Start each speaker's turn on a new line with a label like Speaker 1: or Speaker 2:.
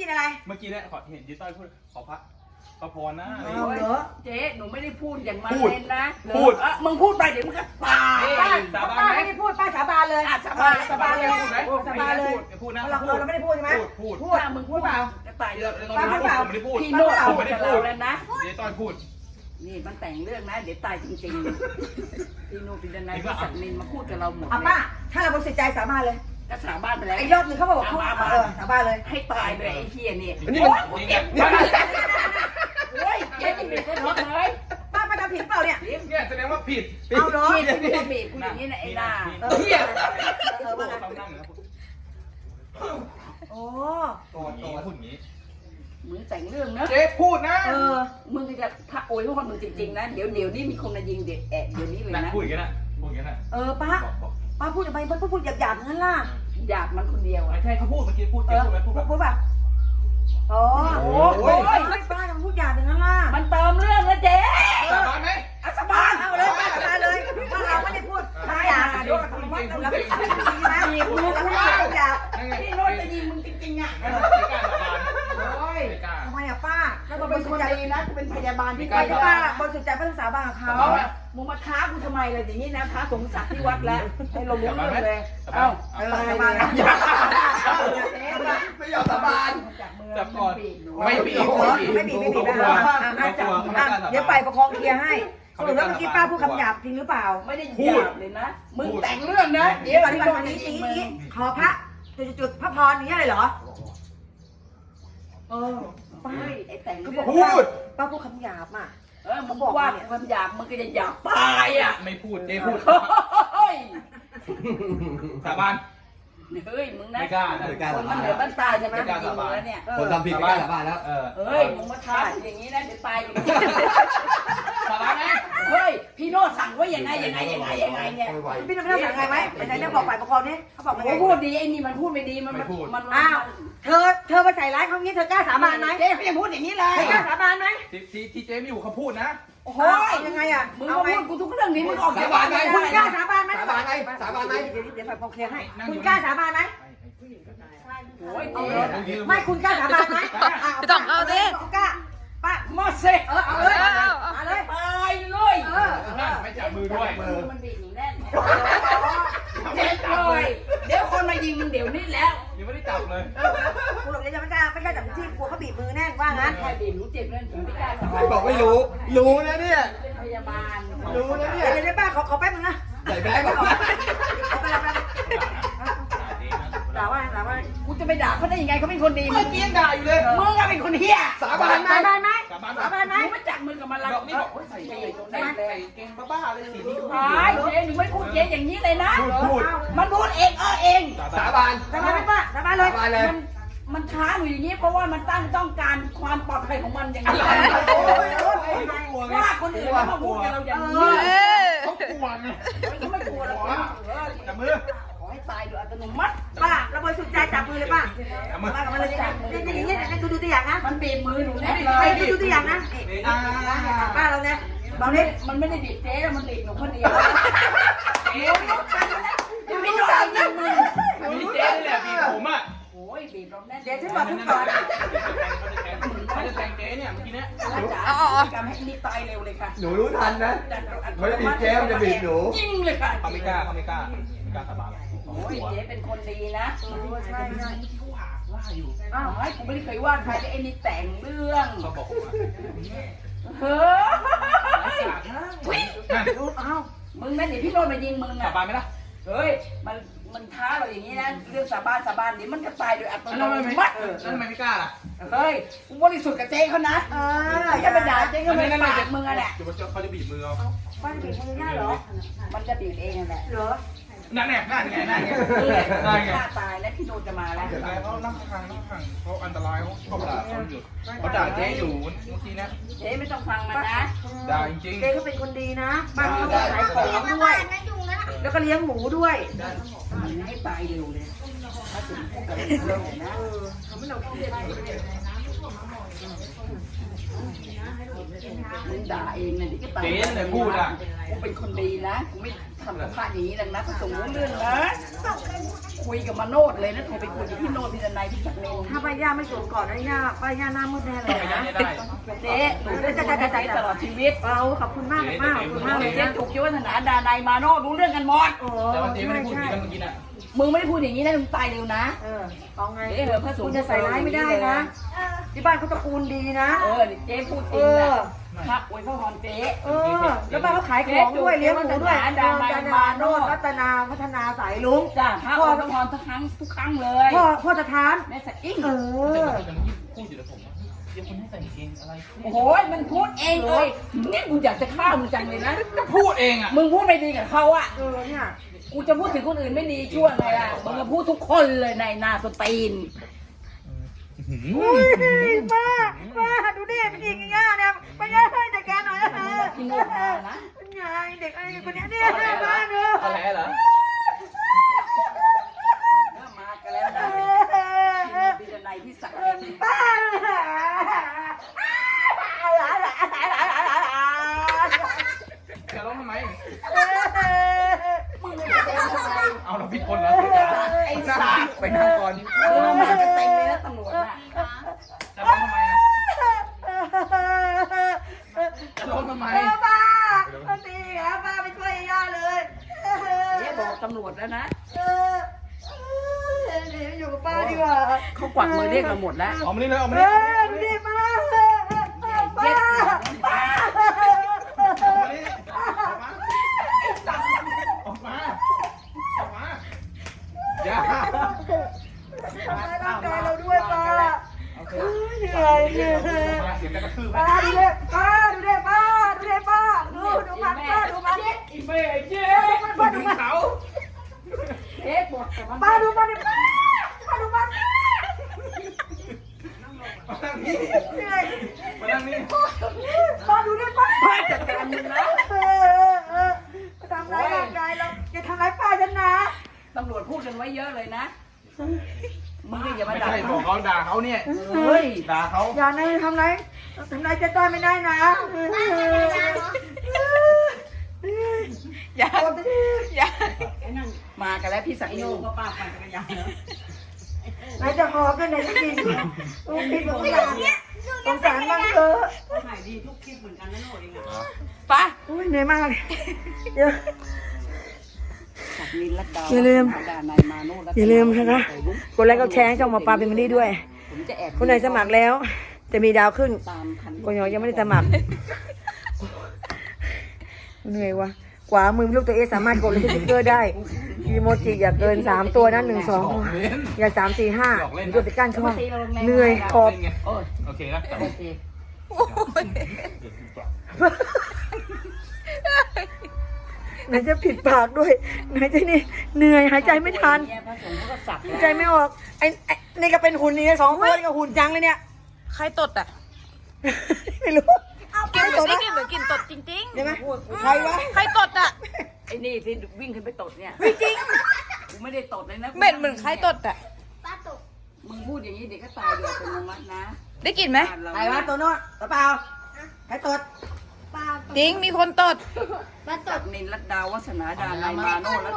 Speaker 1: อะไร
Speaker 2: เมื่อกี้เนี่ยขอเห็นเจ๊ต้อยพูดขอพระพรนะ
Speaker 1: เอาเหรอ
Speaker 3: เจ๊หนูไม่ได้พูดอย่างมา
Speaker 2: พูด
Speaker 3: เล่นนะ
Speaker 2: พูด
Speaker 3: มึงพูดไปเดี๋ยวมึงก็ตาย
Speaker 1: ป้าไม่ได้พูดป้าสาบานเลย
Speaker 3: สาบาน
Speaker 1: สาบานเลย สาบานเลย
Speaker 2: พูดนะ
Speaker 1: เราไม่ได้พูดใช่ไหม
Speaker 2: พูด
Speaker 1: พูด
Speaker 3: ถ้ามึงพูด
Speaker 1: เปล่า
Speaker 3: ก็ตายเลย
Speaker 1: ป้าพูดเปล่า
Speaker 2: ผมไม่ได้พูด
Speaker 3: พี่โน้ต
Speaker 2: ผม
Speaker 3: พูด
Speaker 2: ไม่ได้
Speaker 3: กับ
Speaker 2: พู
Speaker 3: เรา
Speaker 2: ด
Speaker 3: แล้วนะ
Speaker 2: เจ๊ต้อยพูด
Speaker 3: นี่มันแต่งเรื่องนะเดี๋ยวตายจริงๆพี่โน้ตพี่ดนัยพี่ศักดิ์นินมาพูดกับเราหมด
Speaker 1: อ่ะป้าถ้าเราบริสุทธิ์ใจสาบานเลย
Speaker 3: ก็สาบานไปแล้ว
Speaker 1: ไอ้รอบนึงเขาบอกเขาสาบานเลย
Speaker 3: ให้ตายเลยไอ้เฮียนี่
Speaker 2: นี่มันนี่ไง
Speaker 3: โอ้ยเจ๊ไม่มีคนรถเลย
Speaker 1: ป้าทำผิดเปล่าเนี่ย
Speaker 2: เนี่ยแสดงว่าผิด
Speaker 1: เอาเนาะ
Speaker 3: พี่จะมาบีบกูอย่างนี้นะไอ้หน้า
Speaker 2: เฮีย
Speaker 1: ว่าไง
Speaker 2: เขานั่งนะ
Speaker 1: โอ้
Speaker 2: พูดอย่างนี้
Speaker 3: มึงแต่งเรื่องนะ
Speaker 2: เจ๊พูดนะ
Speaker 3: มึงจะพระโอยพวกคนมึงจริงๆนะเดี๋ยวนี้มีคนมายิงเด็กแอบเดี๋ยวนี้เลย
Speaker 2: นะ
Speaker 3: นะ
Speaker 2: พูดอย่างนี้นะพูดอย่างนี้นะ
Speaker 1: ป้าพูดทำไมป้าพูดหยาบๆงั้นล่ะ
Speaker 3: อยากมันคนเดียว
Speaker 2: ไม่
Speaker 3: อ่ะ
Speaker 2: ใช่เขาพูดเมื่อกี้พูดเจ๊พูดไหมพูดแบบ
Speaker 1: พูดป่ะโอ้ไม่ป้าทำพูดหยาบอย่างนั้นล่ะ
Speaker 3: มันเติมเรื่องนะเจ๊
Speaker 2: สาบานไหม
Speaker 3: อัศบาน
Speaker 1: เอาเลยป้าสาบานเลยว่าเราไม่ได้พูดหยาบเราไม่ได้พูดจริงนะเราไม่ได้พูดหยาบ
Speaker 3: พี่โน้ตจะยิงมึงจริงๆอ่ะ
Speaker 2: ไม่กล้าสาบาน
Speaker 3: โอ้ย
Speaker 2: ไม่กล้า
Speaker 1: ทำไมอะป้าแล้ว
Speaker 3: กู
Speaker 1: บ
Speaker 3: เป็น
Speaker 1: ริสุ
Speaker 3: ค
Speaker 1: ท
Speaker 3: น
Speaker 1: ธิ์ใจ
Speaker 3: ดีนะกูเป็นพยาบาลที่
Speaker 1: ไม่ป้าบริสุทธิ์ใจป้าต้องสาบานกับเขา
Speaker 3: มึงมาท้ากูทำไมเลยอย่างนี้นะท้าสงศักดิ์ที่วัดแล้วให้เรารู้เรื่องเลยเอ้า
Speaker 1: สาบาน
Speaker 2: ไม่ยอมสาบานจับก่อนไม่บีบ
Speaker 1: ไม่บีบนะเดี๋ยวไปประคองเคลียร์ให้สรุปแล้วเมื่อกี้ป้าพูดคำหยาบจริงหรือเปล่า
Speaker 3: ไม่ได้หยาบเลยนะมึงแต่งเรื่องนะเดี๋ยว
Speaker 1: ปฏิ
Speaker 3: พี่
Speaker 1: บั
Speaker 3: โน้
Speaker 1: ติ
Speaker 3: ต
Speaker 1: นี้
Speaker 3: จะยิง
Speaker 1: นี้
Speaker 3: มึง
Speaker 1: ขอพระจุดพระพรนี้เลยเหรอป้า
Speaker 3: ไอ้แต่ง
Speaker 1: ก็
Speaker 3: เรื่
Speaker 1: บ
Speaker 3: อ
Speaker 1: อง กว่าป้าพูดคำหยาบอ่ะ
Speaker 3: มึงบอกว่าความหยาบมึงก็จะหยาบตายอ่ะ
Speaker 2: ไม่พูดเจ๊พูด
Speaker 3: เฮ้ย
Speaker 2: สาบาน
Speaker 3: เฮ้ยมึงนะ
Speaker 2: ไม่กล้า
Speaker 3: คนมันเหนือบ้านตายใช่ไหมยิงมึงแล้วเนี่ย
Speaker 4: คนทำผิดไม่กล้าสาบานแล้ว
Speaker 3: เฮ้ยมึงมาท้าอย่างนี้นะเดี๋ยวตายอย่างนี้
Speaker 2: สาบานไหม
Speaker 3: เฮ้ยพี่โน้ตสั่งว่ายังไงเนี่ย
Speaker 1: พี่น้องไม่ต้องสั่งไงไหมไปไหนเนี่ยบอกฝ่ายปกครองนี่เขาบอก
Speaker 3: โอ้
Speaker 1: ไง
Speaker 3: พูดดีไอ้นี่มันพูดไม่ดีมัน
Speaker 1: อ้าวเธอมาใส่ร้ายเขางี้เธอกล้าสาบานไหม
Speaker 3: เจ๊เขายังพูดอย่างนี้เลย
Speaker 1: เธอกล้าสาบานไหม
Speaker 2: ที่เจ๊ไม่อยู่เขาพูดนะ
Speaker 1: โอ้โหยังไงอ่ะ
Speaker 3: มึงก็พูดกูทุกเรื่องนี้มึงออกจาก
Speaker 1: คุณกล้าสาบานไหม
Speaker 4: สาบานไหมสาบานไหม
Speaker 1: เดี๋ยวฝ่ายปกครองเคลียร์ให้คุณกล้าสาบานไหม
Speaker 3: โอ้ยเจ๊
Speaker 1: ไม่คุณกล้าสาบานไหมกล้าป้า
Speaker 3: มาเซ่
Speaker 1: เอาเลยเอาเลย
Speaker 3: ตายเลย
Speaker 2: ไม่จับมือด้วย
Speaker 3: มือมันบีบหนูแน่นเจ็บเลยเดี๋ยวคนมายิงมึงเดี๋ยวนี้แล้ว
Speaker 2: ยังไม่ได้จับเลย
Speaker 1: คุณหลบจะไม่กล้าจับที่กลัวเขาบีบมือแน่นว่างั้น
Speaker 3: ใครบีบหนูเจ็บเลยหนูไม่กล้า
Speaker 4: ใครบอกไม่รู้ รู้นะเนี่ย
Speaker 3: เป็นพยาบาล
Speaker 4: รู้นะเนี่ย
Speaker 1: เดี๋ยวป้าขอแป๊บนึงนะ
Speaker 4: ใส่แบงค์ก่อน
Speaker 1: ด่าว่า
Speaker 3: กูจะไปด่าเขาได้ยังไงเขาเป็นคนดี
Speaker 2: เมื่อกี้ยังด่าอยู่เลย
Speaker 3: มึงอะเป็นคนเฮี้ย
Speaker 4: สาบานไหม
Speaker 1: สาบานไหม
Speaker 2: สาบาน
Speaker 1: สาบานไหม
Speaker 3: มึงมาจับมือกับมันละ
Speaker 2: นี่บอกใส่เกงใส่เกงบ้าๆเลยสีนี้
Speaker 3: ตายเจ๊หนูไม่พูดเจ๊อย่างนี้เลยนะ
Speaker 2: พูด
Speaker 3: มันพูดเองเอง
Speaker 4: สาบาน
Speaker 1: สาบานไหมป้าสาบานเลย
Speaker 4: สาบานเลย
Speaker 3: มันท้าหนูอย่างนี้เพราะว่ามันต้องการความปลอดภัยของมันอย่างนี้ ว่าคนอื่นมาพูดกับเราอย่างนี้
Speaker 2: เขากลัวไง
Speaker 3: เขาไม่กลัวหรอก
Speaker 2: จับมือ
Speaker 3: ขอให้ตายโดยอัตโนมัติ
Speaker 1: ป้าเราบริสุทธิ์ใจจับมือเลยป้า
Speaker 2: จับมือ
Speaker 1: ป้ากับมันเลยอย่างนี้ดูตัวอย่างนะ
Speaker 3: มันบีบมือหนูแน่เล
Speaker 1: ไอ้
Speaker 3: ย
Speaker 1: ดูตัวอย่างนะป้าเราเนี่ยเราเนี่ย
Speaker 3: มันไม่ได้บีบเจ๊แล้วมันบีบหนูคนเดียวเจ๊ไม่โดนยิงมือ
Speaker 2: มีเจ๊นี่แหละบีบผมอ่ะ
Speaker 3: โอ้ยบีบเราแน่
Speaker 1: เดี๋ยวฉันบอกทุกก่อน
Speaker 2: เขาจะแทงเจ๊เนี่ยเมื่อกี้เนี่ย
Speaker 3: ทำให้นี่ตายเร็วเลยค่ะ
Speaker 4: หนูรู้ทันนะไม่บีบเจ๊มันจะบีบหนู
Speaker 3: ยิงเลยค่ะ
Speaker 2: เขาไม่กล้าสาบาน
Speaker 3: โอ้ยเจ๊เป็นคนดีนะ
Speaker 1: ใช่
Speaker 2: ว่าอยู่
Speaker 3: อ้าวกูไม่ได้เคยว่าใครไอ้นี่แต่งเรื่อง
Speaker 2: เขาบอกว่า
Speaker 3: เฮ้ย
Speaker 2: นั่น
Speaker 1: อ้าว
Speaker 3: มึงนั่นเดี๋ยวพี่โนนมายิงมึง
Speaker 2: สา
Speaker 3: อ่ะ
Speaker 2: บานไหมล่ะ
Speaker 3: เฮ้ยมันท้าเราอย่างนี้นะเรื่องสาบานเดี๋ยวมันจะตายโดยอัต
Speaker 2: แล้ว
Speaker 3: โน
Speaker 2: ทำไมไม่
Speaker 3: มัติ
Speaker 2: แล้วทำไมไม่กล้าล่ะ
Speaker 3: เฮ้ยกูบริสุทธิ์กับเจ๊เขานะจะไปด่าเจ๊ก็ไม่ปากมึงอะแหละ
Speaker 2: เขาจะบีบมือเอา
Speaker 1: ป้าจะบีบมือง่ายเหรอ
Speaker 3: มันจะบีบเองแหละ
Speaker 1: เหรอ
Speaker 2: นั่นไงนั่นไง
Speaker 3: ฆ่าตายแล้วพี่โนจะมาแล้ว
Speaker 2: เขานั่งข้างเขาอันตรายเขาด่าคนอยู่เขาด่าเจ๊อยู่เมื่อกี้นะ
Speaker 3: เจ๊ไม่ต้องฟังมันนะ
Speaker 2: ด่าจริง
Speaker 1: เจ๊ก็เป็นคนดีนะบ้านเขาขายของด้วยแล้วก็เลี้ยงหมูด้วย
Speaker 3: ให้ตายเร็วเลยถ้าถึงพวกกันเร็วนะ
Speaker 1: ทำให้เราเครียด
Speaker 3: มึงด่าเองนะเดี๋ยวก็ตาย
Speaker 2: เจ๊เนี่ยพูดอ่ะ
Speaker 3: กูเป็นคนดีนะกูไม่ทำกับพระอย่างนี้หรอกนะพระสงฆ์รู้เรื่องนะคุยกับมาโนดเลยนะโทรไปคุยกับพี่โนดพี่ดนัยพี่ศักดิ์เนน
Speaker 1: ถ้าป้าย่าไม่สวมก่อนนะย่าป้าย่าหน้ามืดแน่เลยนะ
Speaker 2: ได้
Speaker 3: เจ๊หนูจะตลอดชีวิต
Speaker 1: เอาขอบคุณมากมากขอบคุณมากเลย
Speaker 3: เจ๊
Speaker 1: นะ
Speaker 3: จุกเจ๊วัฒนาดานัยมาโนดรู้เรื่องกันหมด
Speaker 1: โอ้
Speaker 2: แต่ว่าเจ๊ไม่
Speaker 1: ใช่
Speaker 2: ได้พูด
Speaker 1: ใช่
Speaker 2: อย่างนี้เมื่อกี้น่ะ
Speaker 3: มึงไม่ได้พูดอย่างนี้นะมึงตายเร็วนะ
Speaker 1: เอาไง
Speaker 3: เจ๊เหอะพระสงฆ์
Speaker 1: คุณจะใส่ร้ายไม่ได้นะที่บ้านเขาตระกูลดีนะ
Speaker 3: เจ๊พูดจริงนะพระอวยพระพรเจ๊
Speaker 1: แล้วบ้านเขาขายของด้วยเลี้ยงหมูด้วยดานาโนดรัตนาพัฒนาสายลุง
Speaker 3: จ้าพระอวยพระพรทุกครั้งเลย
Speaker 1: พ่อจะทาน
Speaker 3: แม่สักอิ่ง
Speaker 2: แต่เมื่อกี้พูดอยู่แล้วผมว่าเดี๋ยวคุณให้ใส่กางเกงอะไร
Speaker 3: โอ้โหมันพูดเองเลยนี่กูอยากจะฆ่ามึงจังเลยนะ
Speaker 2: ก็พูดเองอ่ะ
Speaker 3: มึงพูดไม่ดีกับเขาอะ
Speaker 1: เนี่ย
Speaker 3: กูจะพูดถึงคนอื่นไม่ดีชั่วไงล่ะมึงมาพูดทุกคนเลยในนาสตีน
Speaker 1: ป้าดูดิเป็นอีกอย่างเนี่ยป้าย่าให้จัดการหน่อยนะ
Speaker 3: พี่โนดมานะ
Speaker 1: เป็นไงเด็กไอ้คนนี้เนี่ยบ้านเนอะ
Speaker 2: อะไรเหรอ
Speaker 3: มากันแล้วนะพี่ดนัยพี่ศักดิ์เนน
Speaker 1: ป้า
Speaker 2: จะร้องทำไม
Speaker 3: มึงจะเต็มทำไม
Speaker 2: เอาเราผิดคนแล้ว
Speaker 3: ไอ้สัตว์
Speaker 2: ไปนั่งก่อน
Speaker 3: มึงมาจะเต็มเลยนะตำรวจน่ะ
Speaker 2: จะร้องทำไมอ่ะจะร้องทำไม
Speaker 1: ป้าตีครับป้าไปช่วยย่าเลย
Speaker 3: เจ๊บอกตำรวจแล้วนะ
Speaker 1: เดี๋ยวอยู่กับป้าดีกว่า
Speaker 3: เขากวักมือเรียกเราหมดแล้ว
Speaker 2: เอามานี่เลยเอามา
Speaker 1: เอ
Speaker 2: นี่
Speaker 1: อดูดิป้า
Speaker 3: เย็ด
Speaker 2: เอามานี่ออกมาออกมาอย่า
Speaker 1: ร่างกายเราด้วยป้าเหนื่อยเหนื่อย
Speaker 2: มาเสียงกระทืบ
Speaker 1: ป้าดูดิป้าดูดิป้าดูดิป้าดูมันป้าดูมัน
Speaker 3: อีเมย์เจ๊
Speaker 1: ป้าดูมัน
Speaker 2: เขา
Speaker 3: เจ๊บอกแต่มัน
Speaker 1: ป้าดูมันดิป้าดูมัน
Speaker 2: มานั่งนี่
Speaker 1: เหนื่อย
Speaker 2: มานั่งนี่
Speaker 1: ป้าดูดิป้า
Speaker 3: ป้าจัดการมึงนะ
Speaker 1: ทำร้ายร่างกายเราอย่าทำร้ายป้าฉันนะ
Speaker 3: ตำรวจพูดกันไว้เยอะเลยนะมึงก็อย่ามา
Speaker 2: ไม่
Speaker 3: ด่า
Speaker 2: ใช่บอกเขาด่าเขาเนี่ย
Speaker 3: เฮ้ย
Speaker 2: ด่าเขา
Speaker 1: อย่านะทำร้ายเจะต้อยไม่ได้นะอย่า
Speaker 3: มากันแล้วพี่สักดิ์โยก็ป้าปั่นจักรยานแล้ว
Speaker 1: ไหนจะหอกันไหนจะกินลูกพี่สงสารสงสารบ้างเถอะ
Speaker 3: ถ่ายดีทุกคลิปเหมือนกันนะโน่เองอะ
Speaker 1: ป้าเหนื่อยมากเลยเดี๋ยว
Speaker 3: จากนินรัตดา
Speaker 1: อย่าลืม
Speaker 3: ดานายมาโน่
Speaker 1: อย่าลืมนะคะกดไลค์กดแชร์ให้ช่องหมอปลาเป็นมันนี่ด้วย
Speaker 3: ผมจะแอบ
Speaker 1: คนไหนสมัครแล้ว จะมีดาวขึ้น
Speaker 3: ตามคัน
Speaker 1: คนยังไม่ได้สมัครเหนื่อยวะกว่ามือลูกตัวเอสามารถกดเลยสติ๊กเกอร์ได้อีโมจิอย่าเกิน3ตัวนะ1 2อย่า3 4 5หรือตัวไปกั้นช่องเหนื่อยขอบ
Speaker 2: เป็นไง
Speaker 3: โอ้ย
Speaker 2: โอเคนะ
Speaker 3: โอเค
Speaker 1: ไหนจะผิดปากด้วยไหนจะนี่เหนื่อยหายใจไม่ทัน
Speaker 3: เนี่ยพระสงฆ์เขาก็สับ
Speaker 1: หายใจไม่ออกไอ้นี่ก็เป็นหุ่นนี่2 ตัวนี่ก็หุ่นจังเลยเนี่ย
Speaker 5: ใครตดอ่ะ
Speaker 1: ไม่รู้
Speaker 5: กินเหมือนได้กินเหมือนกินตดจริง
Speaker 1: ใช่ไหมใครวะ
Speaker 5: ๆ ใครตดอ่ะ
Speaker 3: ไอ้นี่ที่วิ่งขึ้นไปตดเนี่ยจริงกูไม่ได้ตดเลยนะ
Speaker 5: เหม็นเหมือนใครตดอ่ะ
Speaker 3: มึงพูดอย่างนี้เด็กก็ตายโดยอัตโนมัตินะ
Speaker 5: ได้กลินไหม
Speaker 1: ใครวะตัวโน้ตเปล่าใครตด
Speaker 5: จริงมีคนตด
Speaker 3: จากนินรัตดาวัฒนาดานายมาโน่